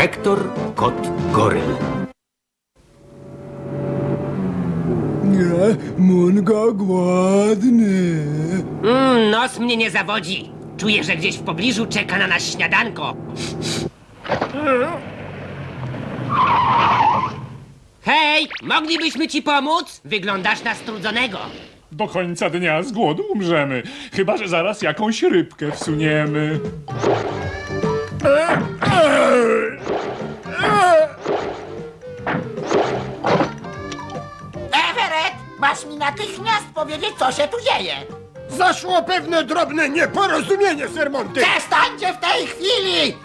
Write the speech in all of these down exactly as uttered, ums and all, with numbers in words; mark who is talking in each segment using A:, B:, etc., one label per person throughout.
A: Hektor, kot goryl.
B: Nie, Munga głodny.
C: Mm, nos mnie nie zawodzi. Czuję, że gdzieś w pobliżu czeka na nas śniadanko. Hej, moglibyśmy ci pomóc? Wyglądasz na strudzonego.
D: Do końca dnia z głodu umrzemy. Chyba że zaraz jakąś rybkę wsuniemy.
E: Everett, masz mi natychmiast powiedzieć, co się tu dzieje.
F: Zaszło pewne drobne nieporozumienie, Sir Monty.
E: Przestańcie w tej chwili!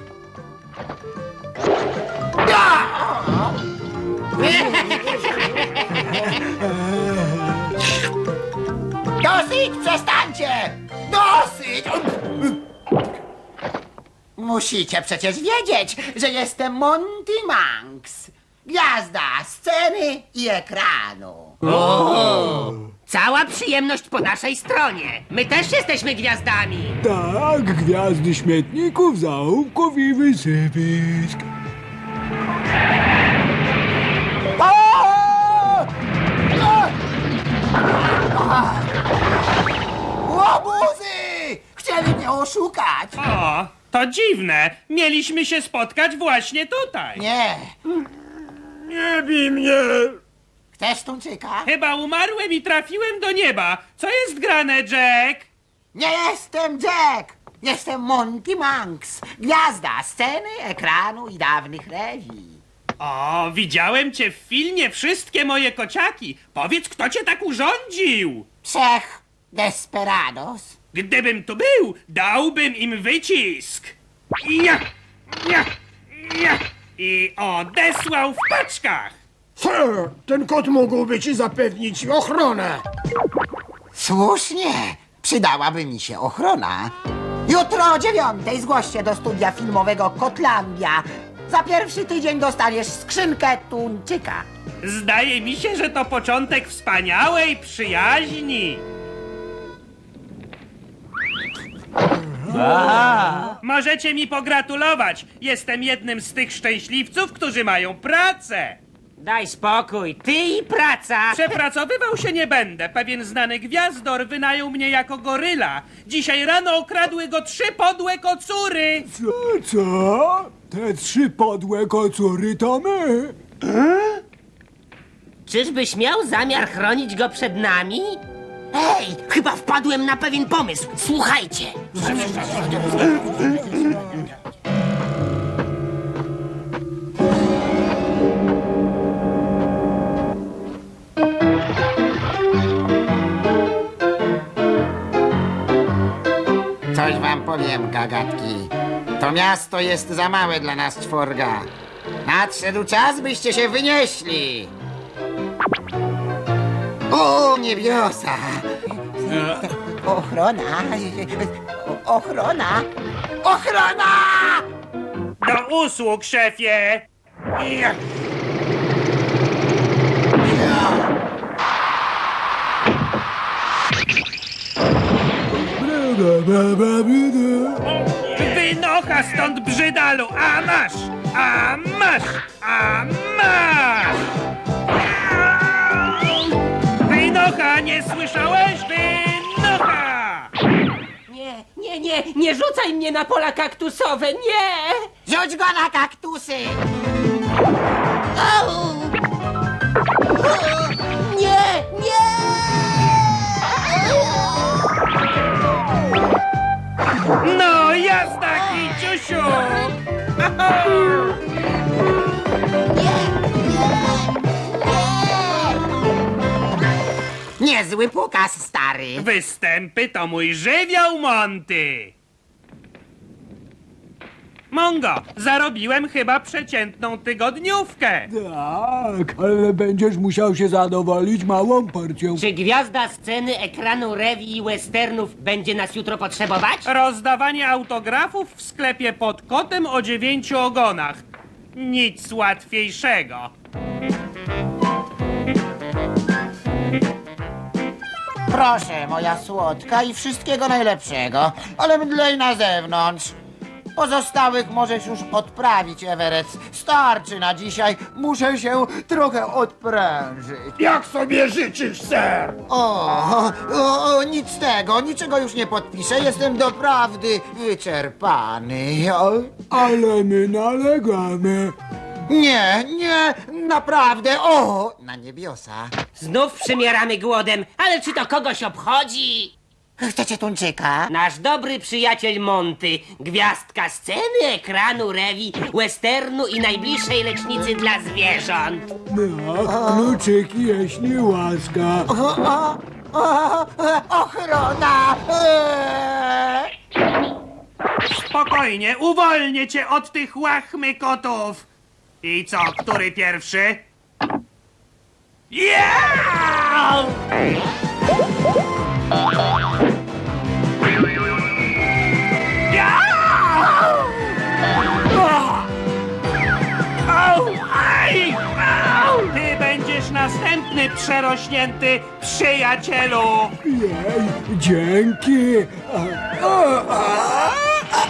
E: Ja! Dosyć, przestańcie! Dosyć! Musicie przecież wiedzieć, że jestem Monty Manx. Gwiazda sceny i ekranu.
C: Cała przyjemność po naszej stronie. My też jesteśmy gwiazdami.
B: Tak, gwiazdy śmietników, zaułków i wysypisk.
E: Łobuzy! Chcieli mnie oszukać!
G: O, to dziwne. Mieliśmy się spotkać właśnie tutaj.
E: Nie.
F: Nie bij mnie.
E: Chcesz tuńczyka?
G: Chyba umarłem i trafiłem do nieba. Co jest grane, Jack?
E: Nie jestem Jack! Jestem Monty Manx, gwiazda sceny, ekranu i dawnych rewii.
G: O, widziałem cię w filmie Wszystkie moje kociaki. Powiedz, kto cię tak urządził?
E: Trzech desperados.
G: Gdybym tu był, dałbym im wycisk. Ja, ja, ja. I odesłał w paczkach.
F: Sir, ten kot mógłby ci zapewnić ochronę.
E: Słusznie, przydałaby mi się ochrona. Jutro o dziewiątej zgłoś się do studia filmowego Kotlandia. Za pierwszy tydzień dostaniesz skrzynkę tuńczyka.
G: Zdaje mi się, że to początek wspaniałej przyjaźni. Możecie mi pogratulować. Jestem jednym z tych szczęśliwców, którzy mają pracę.
C: Daj spokój, ty i praca.
G: Przepracowywał się nie będę. Pewien znany gwiazdor wynajął mnie jako goryla. Dzisiaj rano okradły go trzy podłe kocury.
B: Co, co? Te trzy podłe kocury to my.
C: Czyżbyś miał zamiar chronić go przed nami? Ej, chyba wpadłem na pewien pomysł. Słuchajcie.
E: Coś wam powiem, gagatki. To miasto jest za małe dla nas czworga. Nadszedł czas, byście się wynieśli. O, niebiosa! Ochrona! Ochrona! Ochrona!
G: Do usług, szefie. Ja. Wynocha stąd, brzydalu! A masz! A masz! A masz! Wynocha, nie słyszałeś? Wynocha!
C: Nie, nie, nie, nie rzucaj mnie na pola kaktusowe, nie!
E: Rzuć go na kaktusy! Au!
C: Nie, nie!
G: No, jazda, kiciusiu!
E: Niezły pokaz, stary.
G: Występy to mój żywioł, Monty! Mongo, zarobiłem chyba przeciętną tygodniówkę.
B: Tak, ale będziesz musiał się zadowolić małą porcją.
C: Czy gwiazda sceny, ekranu, rewii i westernów będzie nas jutro potrzebować?
G: Rozdawanie autografów w sklepie pod kotem o dziewięciu ogonach. Nic łatwiejszego.
E: Proszę, moja słodka i wszystkiego najlepszego, ale mdlej na zewnątrz. Pozostałych możesz już odprawić, Everett. Starczy na dzisiaj. Muszę się trochę odprężyć.
F: Jak sobie życzysz, ser?
E: O, o, o, nic z tego, niczego już nie podpiszę. Jestem doprawdy wyczerpany. O,
B: Ale my nalegamy.
E: nie, nie, naprawdę. O, na niebiosa.
C: Znów przymieramy głodem, ale czy to kogoś obchodzi?
E: Chcecie tuńczyka?
C: Nasz dobry przyjaciel Monty, gwiazdka sceny, ekranu, rewi, westernu i najbliższej lecznicy dla zwierząt.
B: No, kluczyki, jeśli łaska.
E: O, o, o, ochrona! Eee.
G: Spokojnie, uwolnię cię od tych łachmy kotów. I co, który pierwszy? Yeah! Au! Aj! Au! Ty będziesz następny przerośnięty przyjacielu!
B: Jej, dzięki. A, a, a.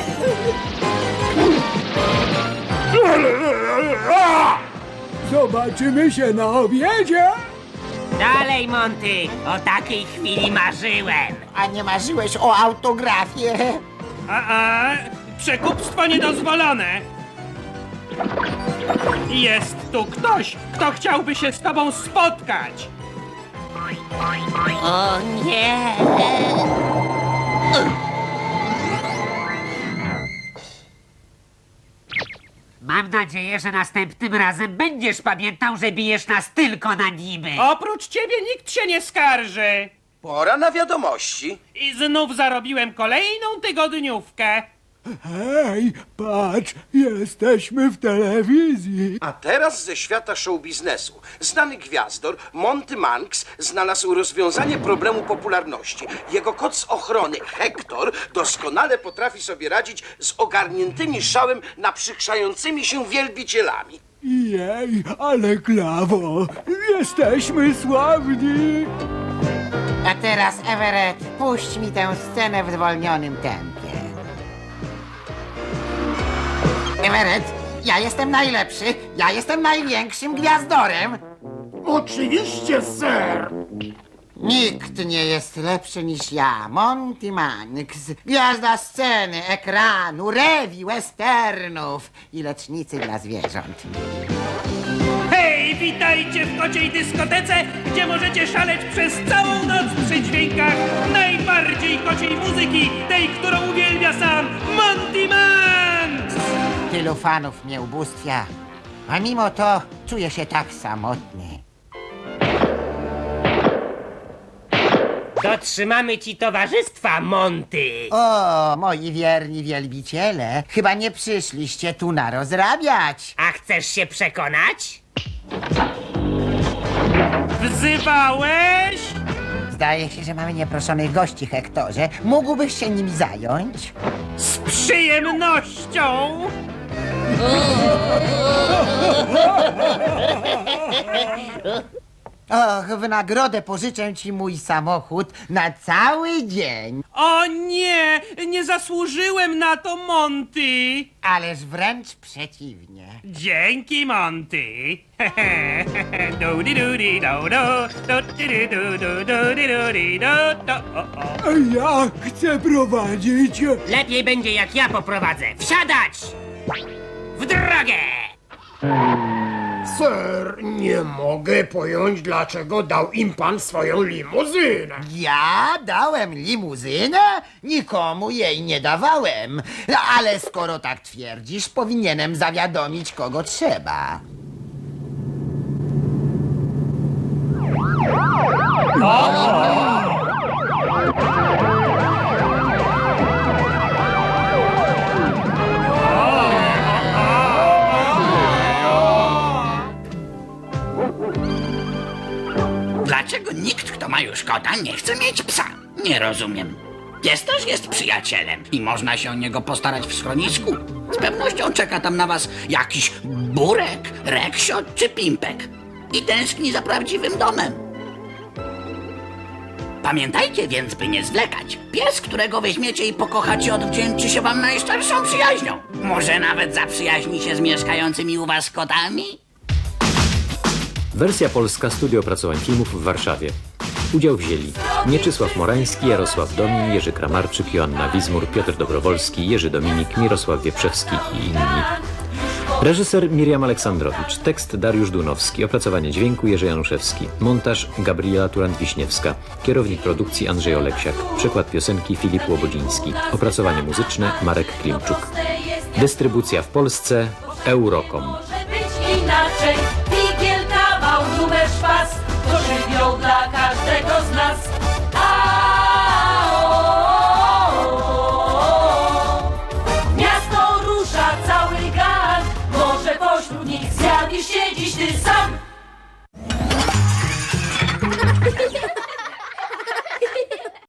B: Zobaczymy się na obiedzie.
C: Dalej, Monty, o takiej chwili marzyłem.
E: A nie marzyłeś o autografie?
G: A, a, przekupstwo niedozwolone. Jest tu ktoś, kto chciałby się z tobą spotkać.
C: O nie! Mam nadzieję, że następnym razem będziesz pamiętał, że bijesz nas tylko na niby.
G: Oprócz ciebie nikt się nie skarży.
A: Pora na wiadomości.
G: I znów zarobiłem kolejną tygodniówkę.
B: Hej, patrz, jesteśmy w telewizji.
A: A teraz ze świata show biznesu. Znany gwiazdor Monty Manx znalazł rozwiązanie problemu popularności. Jego kot z ochrony, Hektor, doskonale potrafi sobie radzić z ogarniętymi szałem naprzykrzającymi się wielbicielami.
B: Jej, ale klawo, jesteśmy sławni.
E: A teraz, Everett, puść mi tę scenę w zwolnionym tempie. Everett, ja jestem najlepszy, ja jestem największym gwiazdorem.
F: Oczywiście, ser.
E: Nikt nie jest lepszy niż ja, Monty Manx, gwiazda sceny, ekranu, rewi, westernów i lecznicy dla zwierząt.
G: Hej, witajcie w kociej dyskotece, gdzie możecie szaleć przez całą noc przy dźwiękach najbardziej kociej muzyki, tej, którą uwielbia sam Monty Manx!
E: Tylu fanów mnie ubóstwia, a mimo to czuję się tak samotny.
C: Dotrzymamy ci towarzystwa, Monty.
E: O, moi wierni wielbiciele, chyba nie przyszliście tu na rozrabiać.
C: A chcesz się przekonać?
G: Wzywałeś?
E: Zdaje się, że mamy nieproszonych gości, Hektorze. Mógłbyś się nimi zająć?
G: Z przyjemnością!
E: Och, w nagrodę pożyczę ci mój samochód na cały dzień.
G: O nie, nie zasłużyłem na to, Monty!
E: Ależ wręcz przeciwnie.
G: Dzięki, Monty! Du-di-du-di-do-do, du-di-du-du-du-du-di-du-di-do-do. O, o.
B: A ja chcę prowadzić.
C: Lepiej będzie, jak ja poprowadzę. Wsiadać! W drogę!
F: Ser, nie mogę pojąć, dlaczego dał im pan swoją limuzynę.
E: Ja dałem limuzynę? Nikomu jej nie dawałem. Ale skoro tak twierdzisz, powinienem zawiadomić, kogo trzeba.
H: Dlaczego nikt, kto ma już kota, nie chce mieć psa? Nie rozumiem. Pies też jest przyjacielem i można się o niego postarać w schronisku. Z pewnością czeka tam na was jakiś burek, reksio czy pimpek. I tęskni za prawdziwym domem. Pamiętajcie więc, by nie zwlekać. Pies, którego weźmiecie i pokochacie, odwdzięczy się wam najszczerszą przyjaźnią. Może nawet zaprzyjaźni się z mieszkającymi u was kotami?
I: Wersja polska Studio Opracowań Filmów w Warszawie. Udział wzięli Mieczysław Morański, Jarosław Domin, Jerzy Kramarczyk, Joanna Wizmur, Piotr Dobrowolski, Jerzy Dominik, Mirosław Wieprzewski i inni. Reżyser Miriam Aleksandrowicz, tekst Dariusz Dunowski, opracowanie dźwięku Jerzy Januszewski, montaż Gabriela Turant-Wiśniewska, kierownik produkcji Andrzej Oleksiak, przekład piosenki Filip Łobodziński, opracowanie muzyczne Marek Klimczuk. Dystrybucja w Polsce Eurocom.
J: Może być inaczej, figiel, kawał, numer, szpas, to żywioł dla